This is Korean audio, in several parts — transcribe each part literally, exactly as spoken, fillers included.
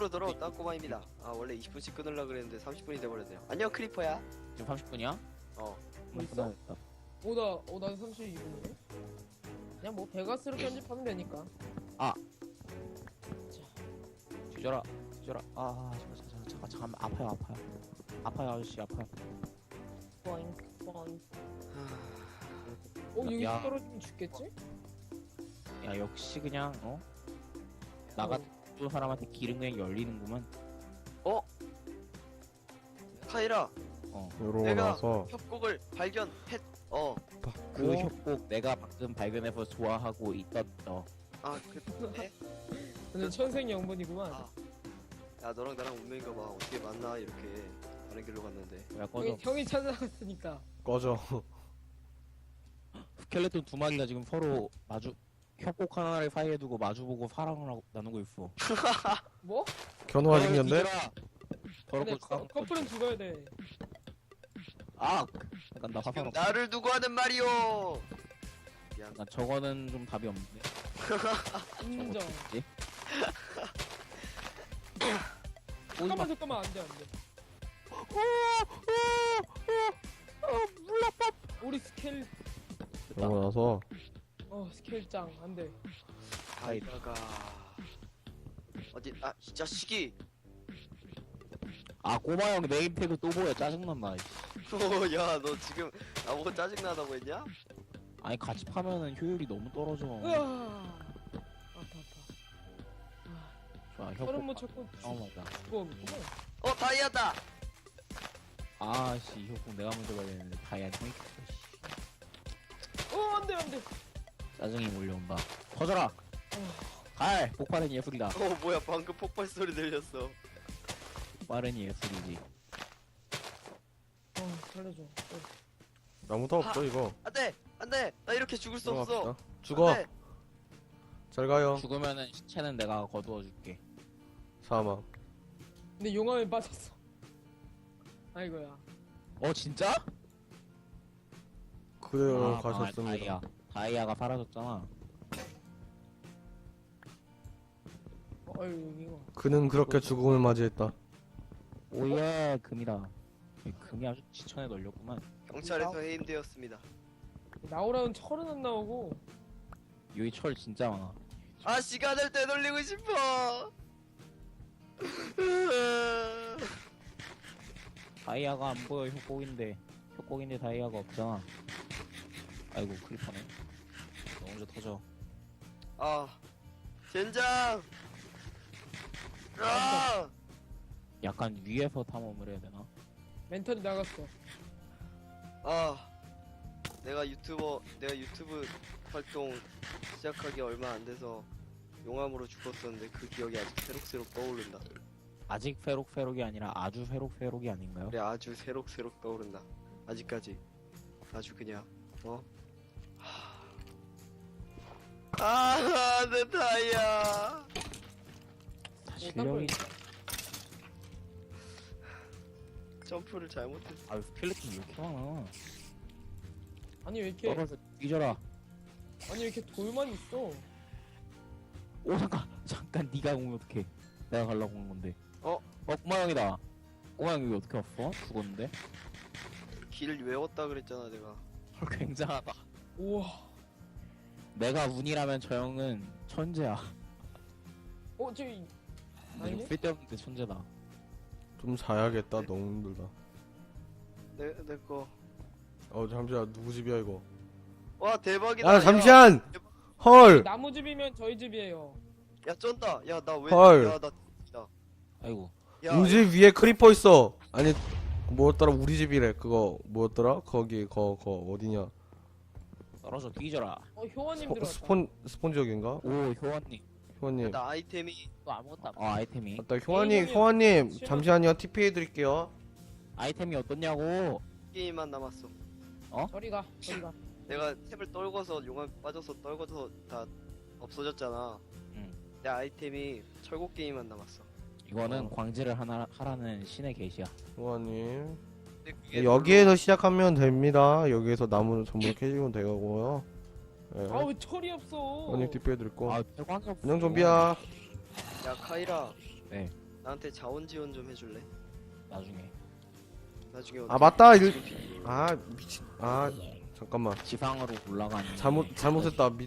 집으로 돌아왔다 꼬마입니다. 아 원래 이십 분씩 끊으려고 그랬는데 삼십 분이 돼버렸네요. 안녕 크리퍼야. 지금 삼십 분이야? 어. 뭐 있어? 오나 어, 난 삼십이 분이네. 그냥 뭐 베가스로 편집하면 되니까. 뒤져라 뒤져라. 아 잠깐 잠깐 잠깐 잠깐 아파요 아파요 아파요 아저씨 아파요. 보잉 보잉. 하... 어 여기 야. 떨어지면 죽겠지? 야 역시 그냥 어? 나 같은 사람한테 기름 그냥 열리는구만. 카이라 어. 요러고 내가 나서 협곡을 발견했. 어. 그 어? 협곡 내가 방금 발견해서 좋아하고 있던 어. 아 그래? 근데 천생연분이구만. 아. 야 너랑 나랑 운명인가 봐. 어떻게 만나 이렇게 다른 길로 갔는데. 야 꺼져. 형이, 형이 찾아갔으니까. 꺼져. 스켈레톤 두 마리가 지금 서로 마주 협곡 하나를 사이에 두고 마주보고 사랑을 하고 나누고 있어. 뭐? 견우가 생겼네? 근데 더럽고 커, 커플은 죽어야 돼. 아! 약간 나 화상 지금 없어. 나를 두고 하는 말이오. 미안. 약간 저거는 좀 답이 없는데. 인정. 뭐지? 잠깐만 잠깐만 안돼 안돼. 우리 스케일 그러고 나서 어 스케일짱 안돼. 카이라가 어디 아 이 자식이. 아 꼬마 형 네임태그 또 보여. 짜증난다. 이씨. 야 너 지금 나보고 짜증나다고 했냐? 아니 같이 파면은 효율이 너무 떨어져. 으아. 아파 아파. 좋아 서른 못 협곡. 찾고 어 맞다. 죽어오겠구만. 어 다이아다. 아씨 협곡 내가 먼저 가야 되는데 다이아 형이 켰어. 씨. 어 안돼 안돼. 짜증이 몰려온다. 터져라. 갈 폭발은 예술이다. 어 뭐야 방금 폭발 소리 들렸어. 폭발은 예술이지. 어 살려줘. 어. 아무도 없어 이거. 안돼 안돼 나 이렇게 죽을 수 없어. 들어갑시다. 죽어. 안 돼. 잘 가요. 죽으면은 시체는 내가 거두어줄게. 사망. 근데 용암에 빠졌어. 아이고야. 어 진짜? 그대로 아, 가셨습니다. 다이아. 다이아가 사라졌잖아. 어, 어이 이거. 그는 그렇게 죽음을 맞이했다. 오예 금이다. 금이 아주 지천에 널렸구만. 경찰에서 해임되었습니다. 나오라는 철은 안 나오고. 여기 철 진짜 많아. 아 시간을 되돌리고 싶어. 다이아가 안 보여. 협곡인데 협곡인데 다이아가 없잖아. 아이고 크리퍼네. 너 먼저 터져. 아 젠장. 아 약간 위에서 탐험을 해야 되나? 멘탈이 나갔어. 아, 내가 유튜버 내가 유튜브 활동 시작하기 얼마 안 돼서 용암으로 죽었었는데 그 기억이 아직 새록새록 떠오른다. 아직 페록페록이 아니라 아주 페록페록이 아닌가요? 그래 아주 새록새록 떠오른다. 아직까지 아주 그냥 어? 아, 내 다이아. 다 어, 실력이. 점프를 잘못했어. 아 스켈레톤 왜 이렇게 많아? 아니 왜 이렇게 떨어져 뒤져라. 아니 왜 이렇게 돌만 있어? 오 잠깐 잠깐 네가 오면 어떡해. 내가 가려고 온 건데. 어? 어 꼬마 형이다. 꼬마 형 여기 어떻게 왔어? 죽었는데? 길을 외웠다 그랬잖아 내가. 헐 굉장하다. 우와. 내가 운이라면 저 형은 천재야. 어 저기 아니 아니네? 쓸데없는데 천재다. 좀 자야겠다. 너무 힘들다. 내 내 거. 어 잠시만 누구 집이야 이거? 와 대박이다. 아 잠시만. 헐. 나무 집이면 저희 집이에요. 야, 야 쩐다. 야 나 왜? 헐. 야 나. 야. 아이고 야. 우리 집 위에 크리퍼 있어. 아니 뭐였더라 우리 집이래. 그거 뭐였더라? 거기 거 거 어디냐? 떨어져 뒤져라. 어 효원님 스폰 들어왔다. 스폰 스폰지역인가? 오 효원님. 효원님. 나 아이템이 또 아무것도 안. 어 아이템이. 맞다 효원님 게임이 효원님 실망- 잠시만요. 티피 해드릴게요. 아이템이 어떻냐고. 게임만 남았어. 저리 가 저리 가. 내가 탭을 떨궈서 용암 빠져서 떨궈서 다 없어졌잖아. 응. 내 아이템이 철곡 게임만 남았어. 이거는 어. 광질을 하나 하라는 신의 계시야. 효원님. 근데 그게 여기에서 시작하면 됩니다. 여기에서 나무를 전부 캐시면 되고요. 예. 아 왜 철이 없어? 효원님 티피 해드릴 거. 아 대광이 없어. 안녕 좀비야. 별로- 야 카이라. 네. 나한테 자원 지원 좀 해줄래? 나중에 나중에 아 어떻게 맞다 일... 지금 비- 아 미친 아 잠깐만 지상으로 올라가는 잘못 잘못했다 미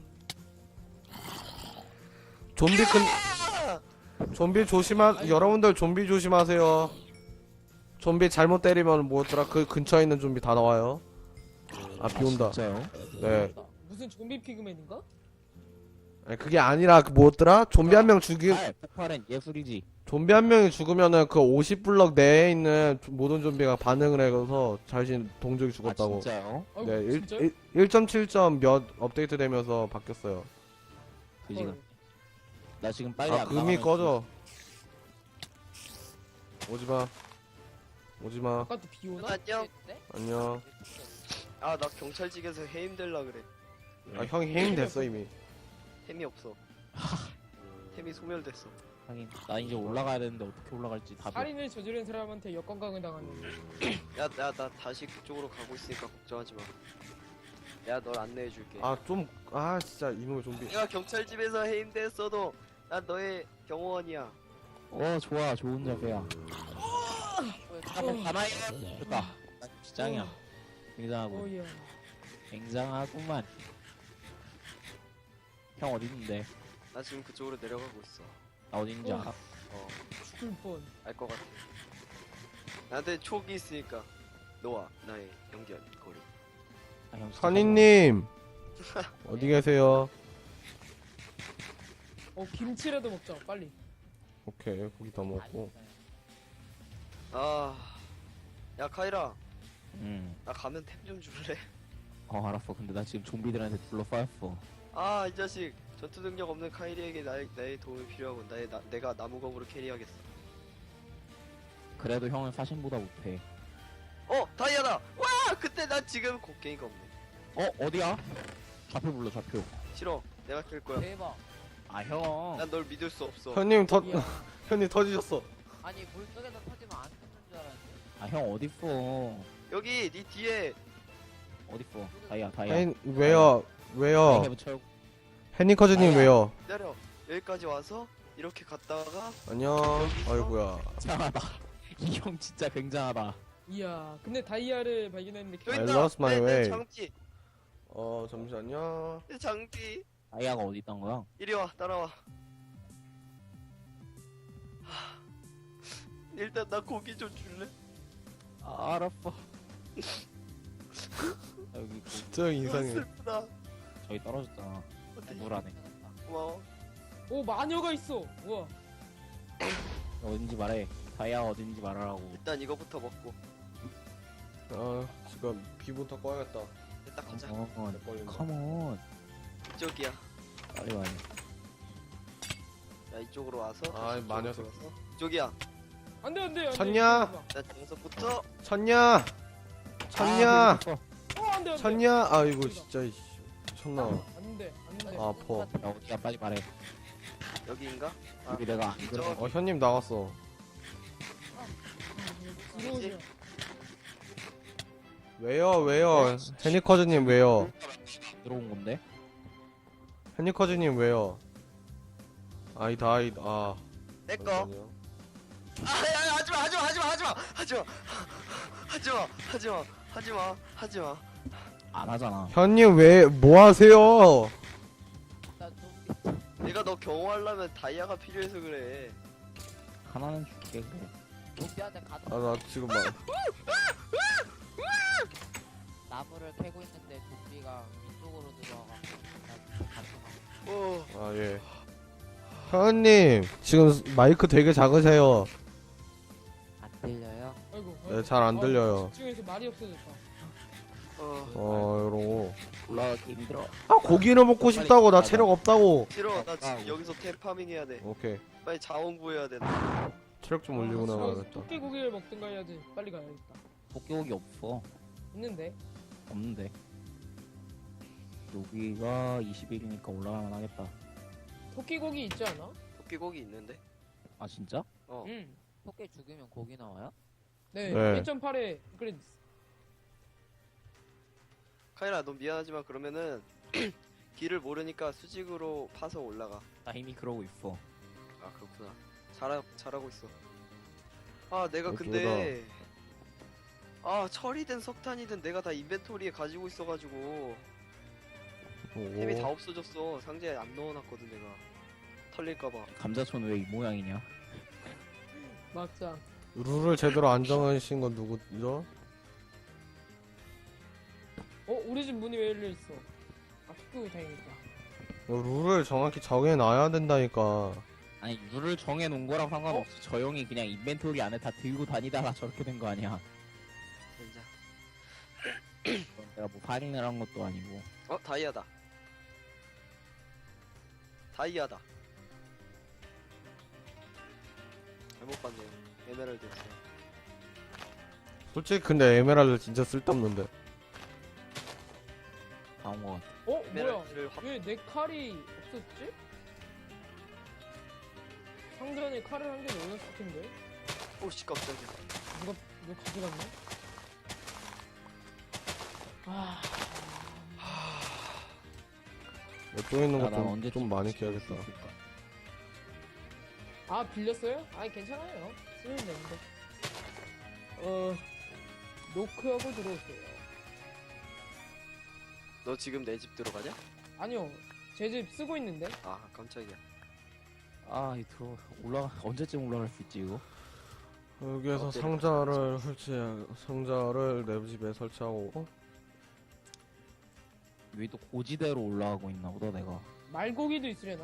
좀비 근 좀비 조심하 여러분들 좀비 조심하세요. 좀비 잘못 때리면 뭐였더라 그 근처에 있는 좀비 다 나와요. 아 비 온다. 진짜요? 네. 무슨 좀비 피그맨인가? 아니, 그게 아니라 그 뭐였더라 좀비 한 명 죽이 아, 폭발은 예술이지. 좀비 한 명이 죽으면은 그 오십 블럭 내에 있는 모든 좀비가 반응을 해서 자신 동족이 아 죽었다고. 진짜요? 아이고, 네, 진짜? 일 점 칠 점 몇 업데이트 되면서 바뀌었어요. 그 지금 나 지금 빨리 아, 안 금이 나가면 꺼져. 오지마. 오지마. 아까도 비 오나? 안녕. 안녕. 아 나 경찰직에서 해임 될라 그래. 아, 형이 해임 됐어, 이미. 템이 없어. 템이 소멸됐어. 하긴 나 이제 올라가야 되는데 어떻게 올라갈지 답이. 살인을 저지른 사람한테 역건강을 당하는. 야, 야, 나 다시 그쪽으로 가고 있으니까 걱정하지 마. 내가 널 안내해줄게. 아, 좀, 아, 진짜, 이놈의 좀비. 내가 경찰집에서 해임됐어도 난 너의 경호원이야. 어 좋아 좋은 자세야. 한번 가만히 됐다. 진짱이야. 굉장하고 어이야. 굉장하구만. 형 어디 있는데? 나 지금 그쪽으로 내려가고 있어. 나 어디 있는지 어. 알아? 어, 죽을 뻔. 알 것 같아. 나한테 촉이 있으니까 너와 나의 연결 거리. 아, 형 진짜 선인님! 어디 계세요? 어 김치라도 먹자 빨리. 오케이, 고기 다 먹고. 아, 야 카이라, 응. 나 가면 템 좀 줄래? 어 알았어. 근데 나 지금 좀비들한테 둘러싸였어. 아, 이 자식 전투 능력 없는 카이리에게 나의, 나의 도움이 필요하고 나의 나, 내가 나무검으로 캐리하겠어. 그래도 형은 사신보다 못해. 어, 다이아다. 와, 그때 난 지금 곡괭이가 없네. 어 어디야? 좌표 불러 좌표. 싫어, 내가 캘 거야. 대박. 아 형. 난 널 믿을 수 없어. 형님, 터, 야, 형님 터지셨어. 아니 물 속에서 터지면 안 죽는 줄 알았는데. 아 형 어딨어? 여기 네 뒤에. 어딨어? 다이아 다이아. hen, 왜요? 왜요? 해부 철. 해니커즈님 아야. 왜요? 기다려. 여기까지 와서 이렇게 갔다가 안녕. 아이고야. 굉장하다. 이 형 진짜 굉장하다. 이야. 근데 다이아를 발견했는데 여기 I 있다. lost my 내, 내 way. 장비. 어, 잠시만요. 내 장비. 다이아가 어디 있던 거야? 이리 와, 따라와. 하, 일단 나 고기 좀 줄래? 아, 알았어. 아, 여기 그, 저 아, 이상해. 슬프다. 저기 떨어졌잖아. 어떻게 물 안에. 고마워. 오 마녀가 있어. 우와. 어딘지 말해. 다이아가 어딘지 말하라고. 일단 이거부터 먹고. 아, 지금 비부터 꺼야겠다. 일단 가자. 컴온. 내 걸린다. 컴온. 이쪽이야. 빨리 와요. 야, 이쪽으로 와서. 아, 다시 마녀 이쪽으로 들어와서. 이쪽이야. 안돼 안돼 안돼. 쳤냐? 나 정석부터. 쳤냐? 쳤냐? 아, 그리고 어 안돼 안돼. 쳤냐? 아이고 진짜 이씨. 미쳤나? 안돼 안돼. 아, 아파. 또. 야, 어디야? 빨리 말해. 여기인가? 아, 여기 내가 안 그래. 저- 어, 현님 나갔어. 들어오세요. 왜요? 왜요? 해니커즈님 왜요? 들어온 건데? 해니커즈님 왜요? 아이 다이 아. 내 거. 잠깐만요. 아, 야, 야, 하지마, 하지마, 하지마, 하지마, 하지마, 하지마, 하지마, 하지마, 하지마. 안 하잖아. 현님 왜 뭐 하세요? 나 좀비 내가 너 경호하려면 다이아가 필요해서 그래. 하나는 줄게 그래. 좀비한테 가도 아 나 지금 막 나무를 캐고 있는데 좀비가 이쪽으로 들어와가지고 나 같이 가. 어, 아 예. 현님 지금 마이크 되게 작으세요. 안 들려요? 아이고. 네, 잘안 아, 들려요. 집중해서 말이 없어졌다. 어, 어 이러고. 올라가기 힘들어. 아 고기를 먹고 싶다고 나 체력 없다고. 싫어. 나 아, 지금 여기서 템 파밍 해야 돼. 오케이. 빨리 자원 구해야 돼. 나. 체력 좀 올리고 아, 나가야겠다. 토끼고기를 먹든가 해야지. 빨리 가야겠다. 토끼고기 없어. 있는데. 없는데. 여기가 이십 일이니까 올라가면 하겠다. 토끼고기 있지 않아? 토끼고기 있는데? 아 진짜? 어. 응. 토끼 죽이면 고기 나와요? 네. 네. 일 점 팔에 업그레이드. 카이라, 너 미안하지만 그러면은 길을 모르니까 수직으로 파서 올라가. 나 이미 그러고 있어. 아, 그렇구나. 잘하, 잘하고 있어. 아 내가 어쩌다. 근데 아 철이든 석탄이든 내가 다 인벤토리에 가지고 있어가지고 템이 다 오. 없어졌어. 상자에 안 넣어놨거든 내가. 털릴까봐. 감자촌 왜 이 모양이냐? 맞자. 룰을 제대로 안 정하신 건 누구죠? 어 우리 집 문이 왜 열려 있어? 아 픽구이 다행이다. 룰을 정확히 정해놔야 된다니까. 아니 룰을 정해놓은 거랑 상관없어. 저 형이 그냥 인벤토리 안에 다 들고 다니다가 저렇게 된 거 아니야. 진짜. 그건 내가 뭐 살인을 한 것도 아니고. 어 다이아다. 다이아다. 잘못 봤네요. 에메랄드였어요. 솔직히 근데 에메랄드 진짜 쓸데없는데. 나온 거 같아. 어 뭐야? 에메랄드를 확. 왜 내 칼이 없었지? 상전에 칼을 한 개 넣어놨을 텐데. 오씨 깜짝이야. 누가 누가 가져갔네? 아. 또 있는 야, 거 난 좀 언제쯤 좀 많이 쓸수 깨야겠다. 있을까? 아 빌렸어요? 아니 괜찮아요. 쓰면 되는데. 어 노크하고 들어오세요. 너 지금 내 집 들어가냐? 아니요 제 집 쓰고 있는데. 아 깜짝이야. 아, 이 들어 올라가 언제쯤 올라갈 수 있지 이거? 여기에서 어때요? 상자를 설치 상자를 내 집에 설치하고 어? 여기 또 고지대로 올라가고 있나 보다 내가. 말고기도 있으려나?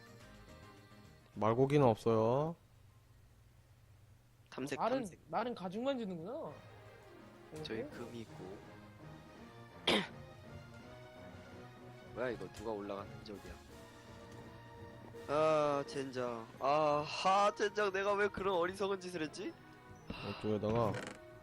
말고기는 없어요. 탐색 말은 탐색. 말은 가죽만 주는구나. 저기 어? 금이 있고. 뭐야 이거 누가 올라간 흔적이야. 아 젠장. 아하 젠장 내가 왜 그런 어리석은 짓을 했지? 이쪽에다가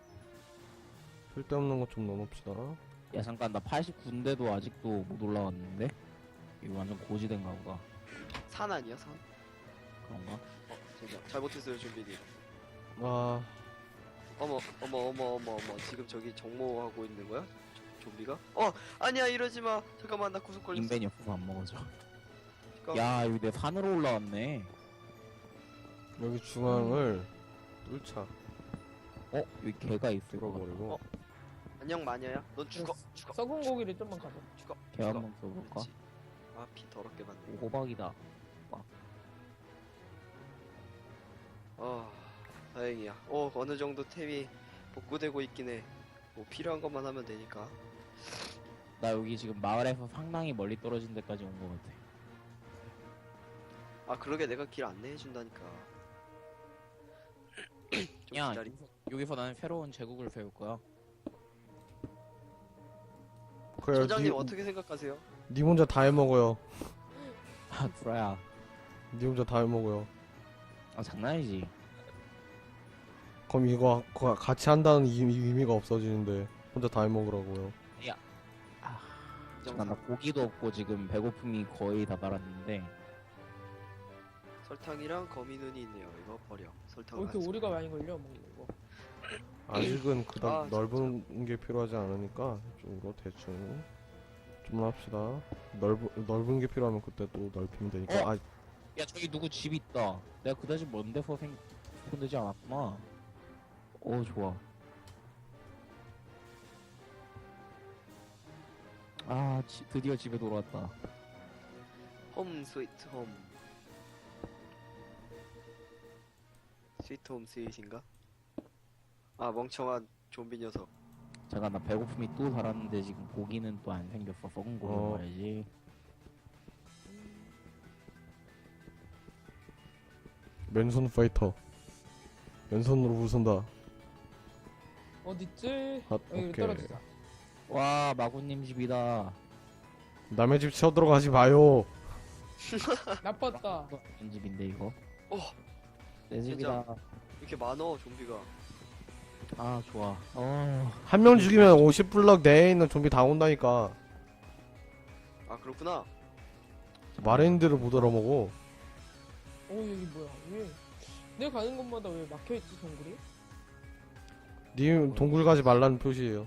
쓸데없는 것 좀 넣어놓읍시다. 야 잠깐 나 팔십구 인데도 아직도 못 올라왔는데? 이거 완전 고지대인가 보다. 산 아니야 산? 그런가? 어 젠장 잘못했어요 준비님. 아 어머 어머 어머 어머 어머 지금 저기 정모하고 있는 거야? 조- 좀비가? 어 아니야 이러지 마. 잠깐만 나 구속 걸렸어. 인벤이 없어서 안 먹어져. 잠깐만. 야 여기 내 산으로 올라왔네. 여기 중앙을 뚫자. 어? 여기 개가 있을 거 같아. 뚫어버리고. 어? 안녕 마녀야. 넌 죽어 그래서 죽어 썩은 고기를 좀만 가져. 죽어. 개 죽어. 한번 써볼까? 그렇지. 아피 더럽게 맞네. 호박이다. 아 다행이야. 어 어느 정도 템이 복구되고 있긴 해. 뭐 필요한 것만 하면 되니까. 나 여기 지금 마을에서 상당히 멀리 떨어진 데까지 온 거 같아. 아 그러게 내가 길 안내해 준다니까. 좀 야 기다리. 여기서, 여기서 나는 새로운 제국을 세울 거야. 그래 소장님 니, 어떻게 생각하세요? 니 혼자 다 해먹어요. 아 구라야. 니 혼자 다 해먹어요. 아 장난이지. 그럼 이거 거- 같이 한다는 이- 이 의미가 없어지는데 혼자 다 해먹으라고요. 아 이 잠깐 나 정상. 고기도 없고 지금 배고픔이 거의 다 달았는데. 설탕이랑 거미눈이 있네요. 이거 버려. 설탕. 왜 이렇게 오리가 많이 걸려 먹는 거? 아직은 그닥 아, 넓은 게 필요하지 않으니까 이쪽으로 대충 좀 합시다. 넓은 넓은 게 필요하면 그때 또 넓히면 되니까. 어? 아 야 저기 누구 집 있다. 내가 그다지 먼 데서 생 손대지 않았구나. 오 좋아. 아 지, 드디어 집에 돌아왔다. 홈 스위트 홈. 스위트 홈 스윗인가? 아 멍청한 좀비 녀석. 잠깐 나 배고픔이 또 달았는데 지금 고기는 또 안 생겼어. 썩은 고기 어. 먹어야지. 맨손 파이터. 맨손으로 부순다. 어딨지? 아, 여기 오케이. 떨어지자. 와 마구님 집이다. 남의 집 쳐들어가지 마요. 나빴다. 내 집인데 이거. 어 내 집이다. 이렇게 많어 좀비가. 아 좋아. 어. 한 명 죽이면 오십 블럭 내에 있는 좀비 다 온다니까. 아 그렇구나. 마린들을 못 알아먹어. 어 여기 뭐야? 왜? 내가 가는 곳마다 왜 막혀있지 동굴이? 님 동굴 가지 말라는 표시예요.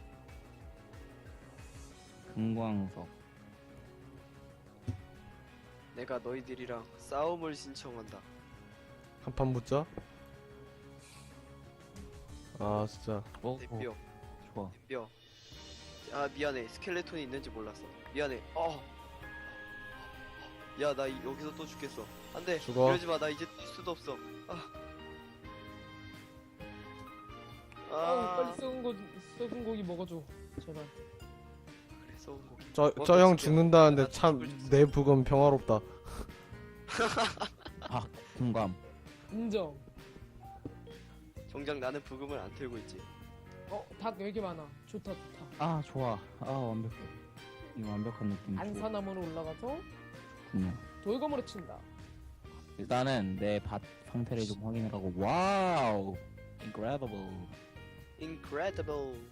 금광석. 내가 너희들이랑 싸움을 신청한다. 한 판 붙자. 아 진짜. 어, 내 어, 뼈, 좋아. 내 뼈. 아 미안해. 스켈레톤이 있는지 몰랐어. 미안해. 어. 야 나 여기서 또 죽겠어. 안돼. 죽어. 이러지 마. 나 이제 뛸 수도 없어. 아. 아, 빨리 아. 썩은 거 썩은 고기 먹어줘. 제발. 그래 썩은 고기. 저 뭐, 저 형 깜짝이야. 죽는다는데 나 참 죽을 수 있어. 내 부검 평화롭다. 아, 공감. 인정. 정작 나는 부금을 안 틀고 있지. 어, 닭 왜 이렇게 많아? 좋다, 좋다. 아, 좋아. 아, 완벽해. 이 완벽한 느낌. 좋아. 안산나무로 올라가서 그냥. 돌검으로 친다. 일단은 내 밭 상태를 좀 확인을 하고. 와우. incredible. Incredible.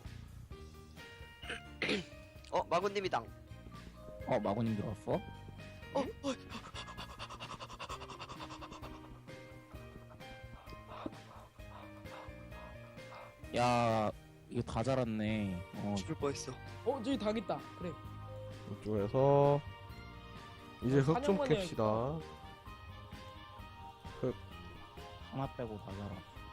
어 마군님이당. 어, 마고님 들어왔어? 어, 어, 야, 이거 다 자랐네. 어, 죽을 뻔했어. 어, 저기 닭 있다. 그래. 이쪽에서 이제 흙 좀 사냥만 캡시다. 하나 빼고 다 자라.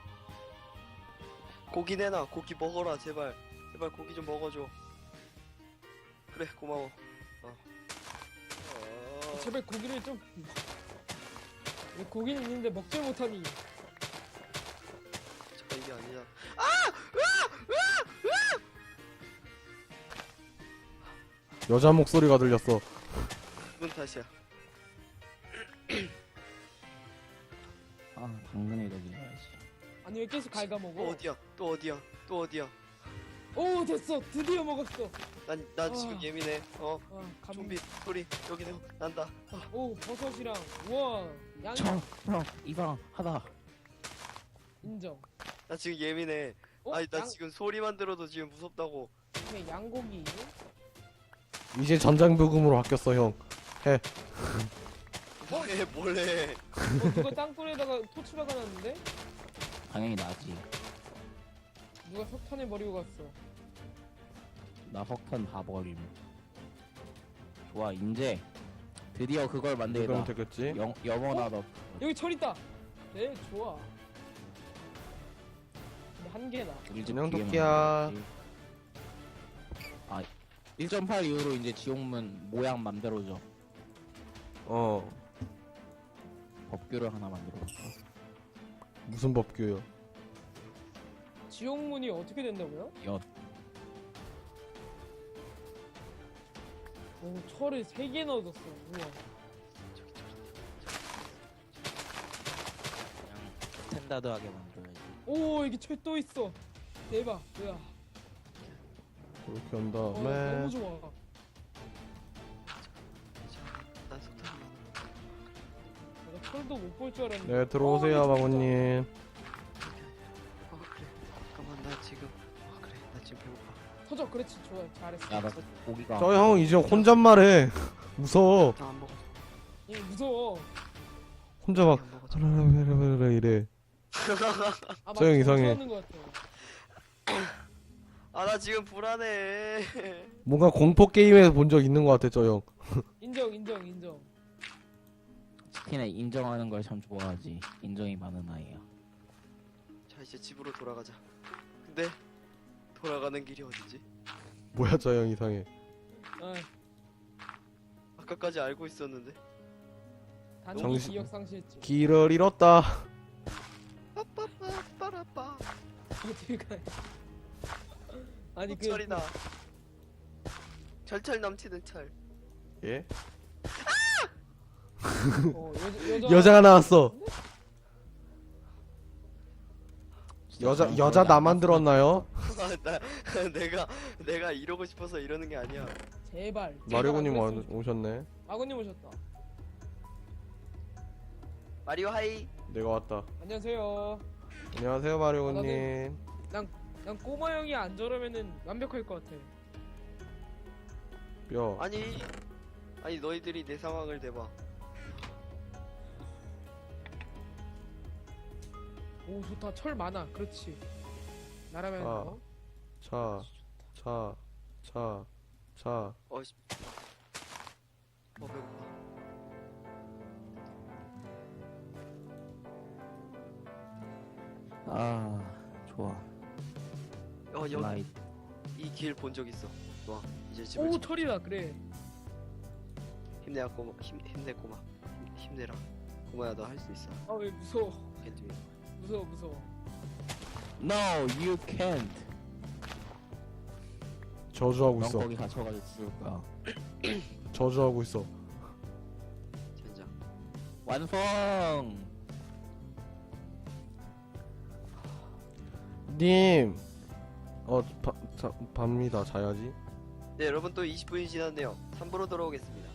고기 내놔. 고기 먹어라 제발. 제발 고기 좀 먹어줘. 그래 고마워. 어. 어... 제발 고기를 좀. 왜 고기는 있는데 먹질 못하니? 잠깐 이게 아니야. 여자 목소리가 들렸어. 그건 탓이야. 아, 당근에 저기 넣어야지. 아니 왜 계속 갉아먹어? 또 어디야? 또 어디야? 또 어디야? 오, 됐어. 드디어 먹었어. 난, 난 아. 지금 예민해. 어? 아, 감... 좀비 소리 여기서 난다. 어. 오, 버섯이랑 우와, 양 저, 형, 이방 하다. 인정. 나 지금 예민해. 어, 아니 나 양... 지금 소리만 들어도 지금 무섭다고. 오케이, 양고기. 이제 전장 부금으로 바뀌었어 형. 뭐해 뭐래. 어, 누가 땅굴에다가 토치 박아놨는데? 당연히 나지. 누가 석탄을 버리고 갔어. 나 석탄 다 버림. 좋아, 이제 드디어 그걸 그러면 만들다. 되겠지. 영, 영원하다. 여기 철 있다. 네, 좋아. 근데 한 개다. 우리 집 그냥 뒤에 도끼야. 만들었지. 아, 일 점 팔 이후로 이제 지옥문 모양 맘대로죠. 어 법규를 하나 만들어볼까? 무슨 법규요? 지옥문이 어떻게 된다고요? 엿. 오, 철을 세 개 넣어줬어. 우와. 그냥 스탠다드하게 만들어야지. 오, 여기 철 또 있어. 대박. 뭐야? 이렇게 한 어, 다음에 너무 좋아. 난 석탄 많아. 내가 철도 못 볼 줄 알았는데. 네 들어오세요 어, 마고님. 어 그래. 잠깐만 나 지금. 아 그래 나 지금 배고파. 터져. 그렇지. 좋아. 잘했어. 야, 나 고기가. 저 형 이제 혼잣말해. 무서워. 나안 먹어. 얘 무서워. 혼자 막 안 먹어. 하라라라라라 이래. 아, 저형 막 이상해. 정주하는 것 같아. 아 나 지금 불안해. 뭔가 공포 게임에서 본 적 있는 것 같아 저 형. 인정, 인정, 인정. 치킨에 인정하는 걸 참 좋아하지. 인정이 많은 아이야. 자 이제 집으로 돌아가자. 근데 돌아가는 길이 어디지? 뭐야 저 형 이상해. 아, 아까까지 알고 있었는데. 단기 정신- 기억 상실했지. 길을 잃었다. 빠라빠. 어떻게 가? 아니 그 철이다. 철철 넘치는 철. 예? 어, 여자, 여자 여자가 나왔어. 진짜 여자 그런 여자 거지 나 않았어? 만들었나요? 아, 나 내가 내가 이러고 싶어서 이러는 게 아니야. 제발. 마리오님 제발 와- 안 그랬으면 오셨네. 좋- 마구님 오셨다. 마리오 하이. 내가 왔다. 안녕하세요. 안녕하세요 마리오님. 난 꼬마 형이 안 저러면은 완벽할 것 같아. 뼈. 아니 아니 너희들이 내 상황을 대봐. 오, 좋다. 철 많아. 그렇지. 나라면 아. 어? 차. 차. 차. 차. 어씨. 어 배고파. 아 좋아. 어 여기 라이. 이 길 본 적 있어. 좋아. 이제 집을 오 집- 철이다 그래. 힘내야 꼬마. 힘 힘내 꼬마. 힘, 힘내라. 꼬마야 너 할 수 있어. 아 왜 무서워. Can't do it. 무서워 무서워. No, you can't. 저주하고 넌 있어. 거기 갇혀가지고 죽을 거야. 저주하고 있어. 젠장. 완성. 님. 어, 바, 자, 밥니다. 자야지. 네 여러분 또 이십 분이 지났네요. 삼 부로 돌아오겠습니다.